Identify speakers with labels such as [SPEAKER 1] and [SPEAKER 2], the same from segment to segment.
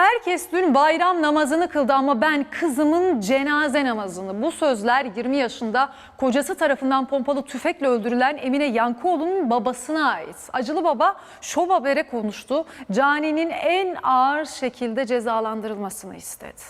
[SPEAKER 1] Herkes dün bayram namazını kıldı ama ben kızımın cenaze namazını. Bu sözler 20 yaşında kocası tarafından pompalı tüfekle öldürülen Emine Yankıoğlu'nun babasına ait. Acılı baba Şov Haber'e konuştu. Cani'nin en ağır şekilde cezalandırılmasını istedi.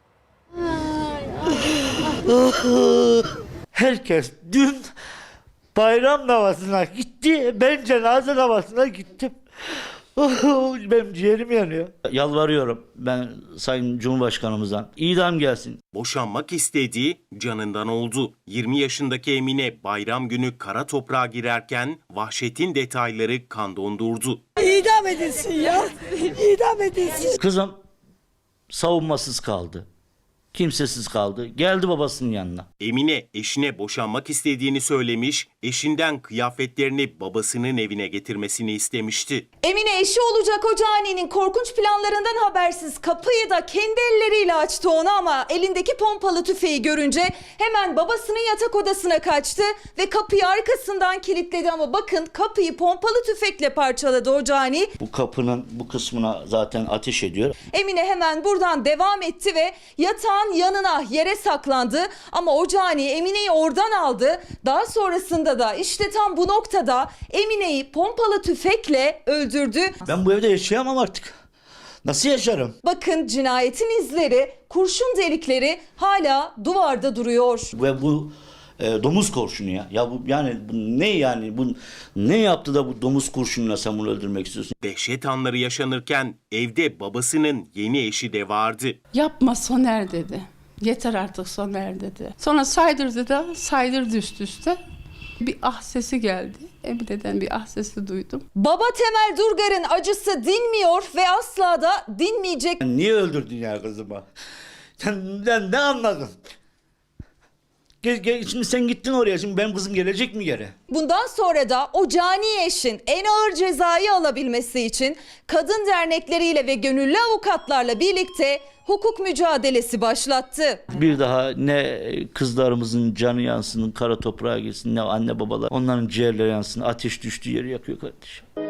[SPEAKER 2] Herkes dün bayram namazına gitti. Ben cenaze namazına gittim. Benim ciğerim yanıyor. Yalvarıyorum ben Sayın Cumhurbaşkanımızdan. İdam gelsin.
[SPEAKER 3] Boşanmak istediği canından oldu. 20 yaşındaki Emine bayram günü kara toprağa girerken vahşetin detayları kan dondurdu.
[SPEAKER 4] İdam edilsin ya. İdam edilsin.
[SPEAKER 2] Kızım savunmasız kaldı. Kimsesiz kaldı. Geldi babasının yanına.
[SPEAKER 3] Emine eşine boşanmak istediğini söylemiş, eşinden kıyafetlerini babasının evine getirmesini istemişti.
[SPEAKER 5] Emine eşi olacak o caninin korkunç planlarından habersiz kapıyı da kendi elleriyle açtı ona ama elindeki pompalı tüfeği görünce hemen babasının yatak odasına kaçtı ve kapıyı arkasından kilitledi ama bakın kapıyı pompalı tüfekle parçaladı o cani.
[SPEAKER 2] Bu kapının bu kısmına zaten ateş ediyor.
[SPEAKER 5] Emine hemen buradan devam etti ve yatağın yanına yere saklandı ama o cani Emine'yi oradan aldı. Daha sonrasında da işte tam bu noktada Emine'yi pompalı tüfekle öldürdü.
[SPEAKER 2] Ben bu evde yaşayamam artık. Nasıl yaşarım?
[SPEAKER 5] Bakın cinayetin izleri, kurşun delikleri hala duvarda duruyor.
[SPEAKER 2] Ve bu domuz kurşunu ya. Ya bu yani bu ne yani? Bu ne yaptı da bu domuz kurşunuyla sen bunu öldürmek istiyorsun?
[SPEAKER 3] Dehşet anları yaşanırken evde babasının yeni eşi de vardı.
[SPEAKER 6] Yapma Soner dedi. Yeter artık Soner dedi. Sonra saydırdı üst üste. Bir ah sesi geldi. Emine'den bir ah sesi duydum.
[SPEAKER 5] Baba Temel Durgar'ın acısı dinmiyor ve asla da dinmeyecek.
[SPEAKER 2] Niye öldürdün ya kızımı? Sen ne anladın? Şimdi sen gittin oraya. Şimdi benim kızım gelecek mi geri?
[SPEAKER 5] Bundan sonra da o cani eşin en ağır cezayı alabilmesi için kadın dernekleriyle ve gönüllü avukatlarla birlikte hukuk mücadelesi başlattı.
[SPEAKER 2] Bir daha ne kızlarımızın canı yansın, kara toprağa girsin, ne anne babalar onların ciğerleri yansın. Ateş düştüğü yeri yakıyor kardeşim.